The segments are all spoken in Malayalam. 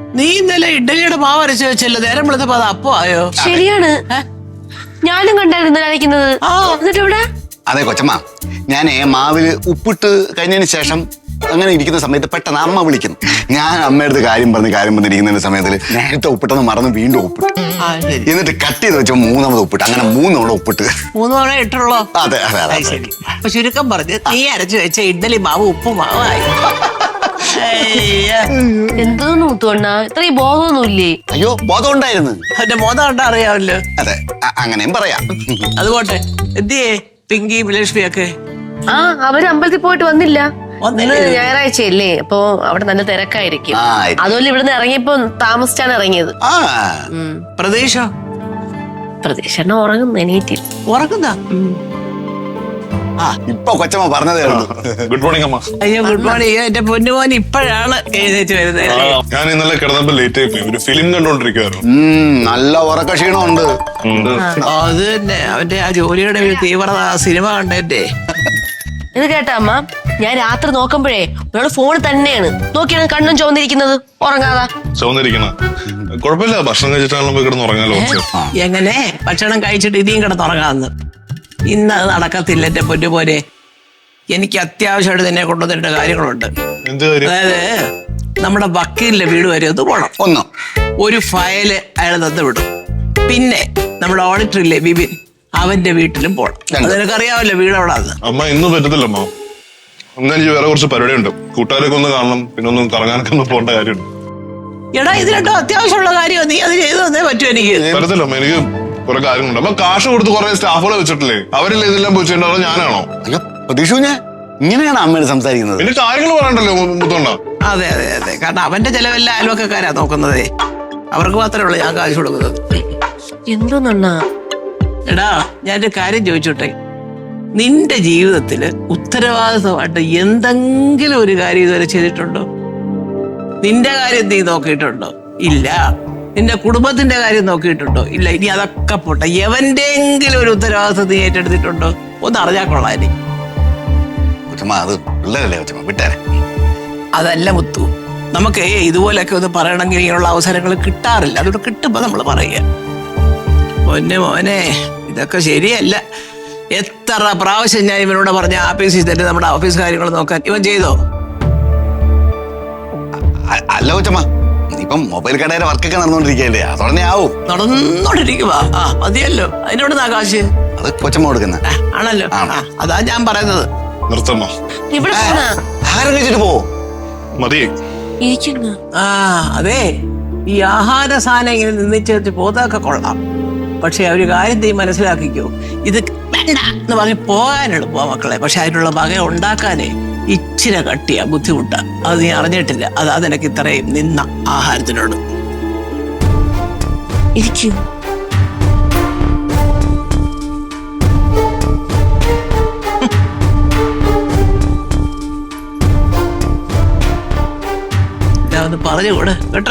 നീ ഇന്നലെ ഇഡ്ഡലിയുടെ മാവ് അരച്ച് വെച്ചല്ലോ, നേരം വിളിച്ചപ്പോ അത് അപ്പോ ആയോ? ശരിയാണ്, ഞാനും കണ്ടായിരുന്നു അരയ്ക്കുന്നത്. എന്നിട്ട് ഇവിടെ അതെ കൊച്ചമ്മ, ഞാനേ മാവില് ഉപ്പിട്ട് കഴിഞ്ഞതിന് ശേഷം അങ്ങനെ ഇരിക്കുന്ന സമയത്ത് പെട്ടെന്ന് അമ്മ വിളിക്കുന്നു. ഞാൻ അമ്മയുടെ കാര്യം പറഞ്ഞിരിക്കുന്ന സമയത്തിൽ നേരത്തെ ഉപ്പിട്ടെന്ന് മറന്ന് വീണ്ടും ഉപ്പിട്ട്, എന്നിട്ട് കട്ട് ചെയ്ത് വെച്ച 3 ഉപ്പിട്ട്, അങ്ങനെ 3 തവണ ഉപ്പിട്ട്. 3 തവണ ഇട്ടുള്ളോ? അതെ അതെ അതെ. ശരി. അപ്പൊ ചുരുക്കം പറഞ്ഞ് നീ അരച്ചു വെച്ച ഇഡ്ഡലി മാവ് ഉപ്പുമാവായി. എന്തോന്ന് മുത്തുവണ്ണ, ഇത്രയും ബോധമൊന്നുമില്ലേ? അയ്യോ, ബോധം ഉണ്ടായിരുന്നു. അവന്റെ ബോധം കണ്ടാ അറിയാമല്ലോ. അതെ, അങ്ങനെയും പറയാം. അതുപോട്ടെ, എന്തിയേ പിങ്കി ലക്ഷ്മിയൊക്കെ? അവര് അമ്പലത്തിൽ പോയിട്ട് വന്നില്ല. ഞായറാഴ്ചയല്ലേ, അപ്പൊ അവിടെ നല്ല തിരക്കായിരിക്കും. അതുപോലെ ഇവിടുന്ന് ഇറങ്ങിയപ്പോ താമസിച്ചാണ് ഇറങ്ങിയത്. പ്രതീക്ഷ ഉറങ്ങുന്നു, എണീറ്റില്ല. ഉറങ്ങുന്ന ഇപ്പൊ കൊച്ചമ്മ പറഞ്ഞതേ ഉള്ളൂ. ഗുഡ് മോർണിംഗ് അമ്മ. അയ്യോ ഗുഡ് മോർണിംഗ്. എന്റെ പൊന്നുമോൻ ഇപ്പോഴാണ് എഴുന്നേറ്റ് വരുന്നത്. ഞാൻ ഇന്നലെ കിടന്നപ്പോ ലേറ്റ് ആയി പോയി, ഒരു ഫിലിം കണ്ടോണ്ടിരിക്കുവായിരുന്നു. നല്ല ഉറക്ക ക്ഷീണമുണ്ട്. അത് തന്നെ, അവന്റെ ആ ജോലിയുടെ ഒരു തീവ്രത സിനിമ കണ്ടേ. ഇത് കേട്ടാ അമ്മ, ഞാൻ രാത്രി നോക്കുമ്പോഴേ ഒരാള് ഫോണിൽ തന്നെയാണ് നോക്കിയാണ് കണ്ണും ചുവന്നിരിക്കുന്നത്, ഉറങ്ങാതാ. ചുവന്നിരിക്കണ കുഴപ്പമില്ല, ഭക്ഷണം കഴിച്ചിട്ടാണല്ലോ കിടന്ന് ഉറങ്ങാലോ. എങ്ങനെ ഭക്ഷണം കഴിച്ചിട്ട് ഇനിയും കിടന്നുറങ്ങാന്ന്? ഇന്ന് അത് നടക്കത്തില്ല എന്റെ പൊന്നുപോലെ. എനിക്ക് അത്യാവശ്യമായിട്ട് നിന്നെ കൊണ്ടുവന്നിട്ട് കാര്യങ്ങളുണ്ട്. അതായത് നമ്മുടെ വക്കീലിന്റെ വീട് വരെ ഒന്ന് പോണം. ഒരു ഫയല് അയാൾ തന്നു വിടും. പിന്നെ നമ്മുടെ ഓഡിറ്റർ ഇല്ലേ ബിബിൻ, അവന്റെ വീട്ടിലും പോണം. അതെനിക്കറിയാമല്ലോ വീട് അവിടെ. അമ്മ ഇന്ന് പറ്റത്തില്ല അമ്മ, അന്ന് എനിക്ക് വേറെ കുറച്ച് പരിപാടിയുണ്ട്. കൂട്ടുകാരൊക്കെ ഒന്ന് കാണണം, പിന്നെ ഒന്ന് കറങ്ങാനൊക്കെ ഒന്ന് പോകേണ്ട കാര്യമുണ്ട്. എടാ, ഇത് രണ്ടും അത്യാവശ്യമുള്ള കാര്യം, നീ അത് ചെയ്തു തന്നേ പറ്റൂ. എനിക്ക് പറ്റത്തില്ല അമ്മ, എനിക്ക് കുറെ കാര്യങ്ങളുണ്ട്. അപ്പൊ കാശ് കൊടുത്ത് കുറെ സ്റ്റാഫുകളെ വെച്ചിട്ടില്ലേ, അവരില്ല ഇതെല്ലാം പോയി ചെയ്യേണ്ടത് ഞാനാണോ? അയ്യോ പ്രതീക്ഷ, ഇങ്ങനെയാണ് അമ്മയോട് സംസാരിക്കുന്നത്. പിന്നെ കാര്യങ്ങൾ പറയണ്ടല്ലോ മുത്തോണ്ട. അതെ അതെ അതെ, കാരണം അവന്റെ ചെലവെല്ലാം അയൽവക്കാരാ നോക്കുന്നതേ. അവർക്ക് മാത്രമേ ഉള്ളൂ ഞാൻ കാശ് കൊടുക്കുന്നത്. എന്തോന്നാ? എടാ, ഞാനൊരു കാര്യം ചോദിച്ചോട്ടെ, നിന്റെ ജീവിതത്തില് ഉത്തരവാദിത്വമായിട്ട് എന്തെങ്കിലും ഒരു കാര്യം ഇതുവരെ ചെയ്തിട്ടുണ്ടോ? നിന്റെ കാര്യം നീ നോക്കിയിട്ടുണ്ടോ? ഇല്ല. നിന്റെ കുടുംബത്തിന്റെ കാര്യം നോക്കിയിട്ടുണ്ടോ? ഇല്ല. ഇനി അതൊക്കെ പോട്ടെ, എവന്റെങ്കിലും ഒരു ഉത്തരവാദിത്വം നീ ഏറ്റെടുത്തിട്ടുണ്ടോ? ഒന്ന് അറിഞ്ഞാൽ കൊള്ളാം. അതല്ല മുത്തു, നമുക്ക് ഇതുപോലെയൊക്കെ ഒന്ന് പറയണമെങ്കിൽ ഇങ്ങനെയുള്ള അവസരങ്ങൾ കിട്ടാറില്ല. അതുകൊണ്ട് കിട്ടുമ്പോ നമ്മൾ പറയുക. മോനെ ഇതൊക്കെ ശരിയല്ല. എത്ര പ്രാവശ്യം ഞാൻ ഇവനോട് പറഞ്ഞ ആഫീസിൽ തന്നെ നമ്മുടെ ഓഫീസ് കാര്യങ്ങൾ നോക്കാൻ. ഇവൻ ചെയ്തോ? അല്ല കൊച്ചമ്മ, ഇപ്പം മൊബൈൽ കടയുടെ വർക്കൊക്കെ നടന്നുകൊണ്ടിരിക്കല്ലേ, അതോടെ ആവും. നടന്നോണ്ടിരിക്കുവാ. മതിയല്ലോ, അതിനോട് കാശ് അത് കൊച്ചമ്മ കൊടുക്കുന്ന ആണല്ലോ. അതാ ഞാൻ പറയുന്നത്. നിർത്തമ്മ, ആഹാരം കഴിച്ചിട്ട് പോ. മതി. അതെ, ഈ ആഹാര സാധനം ഇങ്ങനെ നിന്നിച്ച് പോതൊക്കെ കൊള്ളാം. പക്ഷെ ഒരു കാര്യം നീ മനസ്സിലാക്കിക്കോ, ഇത് വേണ്ട എന്ന് പറഞ്ഞ് പോകാൻ എളുപ്പമാ മക്കളെ. പക്ഷെ അതിനുള്ള വക ഉണ്ടാക്കാനേ ഇച്ചിരി കട്ടിയാ, ബുദ്ധിമുട്ടാ. അത് നീ അറിഞ്ഞിട്ടില്ല. അതാ നിനക്ക് ഇത്രയും നിന്ന ആഹാരത്തിനോട്. ഒന്ന് പറഞ്ഞുകൂടെ കേട്ടാ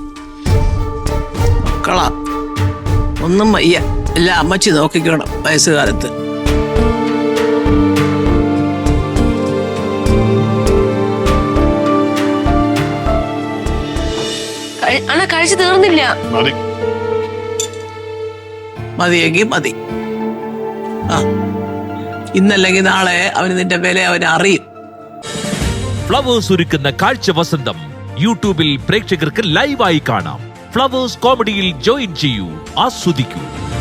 മക്കളാ, ഒന്നും വയ്യ, എല്ലാം അമ്മച്ചി നോക്കിക്കണം വയസ്സുകാലത്ത്. കഴിച്ചു തീർന്നില്ല. മതിയെങ്കിൽ മതി. ഇന്നല്ലെങ്കിൽ നാളെ അവന് നിന്റെ വില അവന് അറിയും. ഫ്ലവേഴ്സ് ഒരുക്കുന്ന കാഴ്ച വസന്തം യൂട്യൂബിൽ പ്രേക്ഷകർക്ക് ലൈവായി കാണാം. ഫ്ലവേഴ്സ് കോമഡിയിൽ ജോയിൻ ചെയ്യൂ, ആസ്വദിക്കൂ.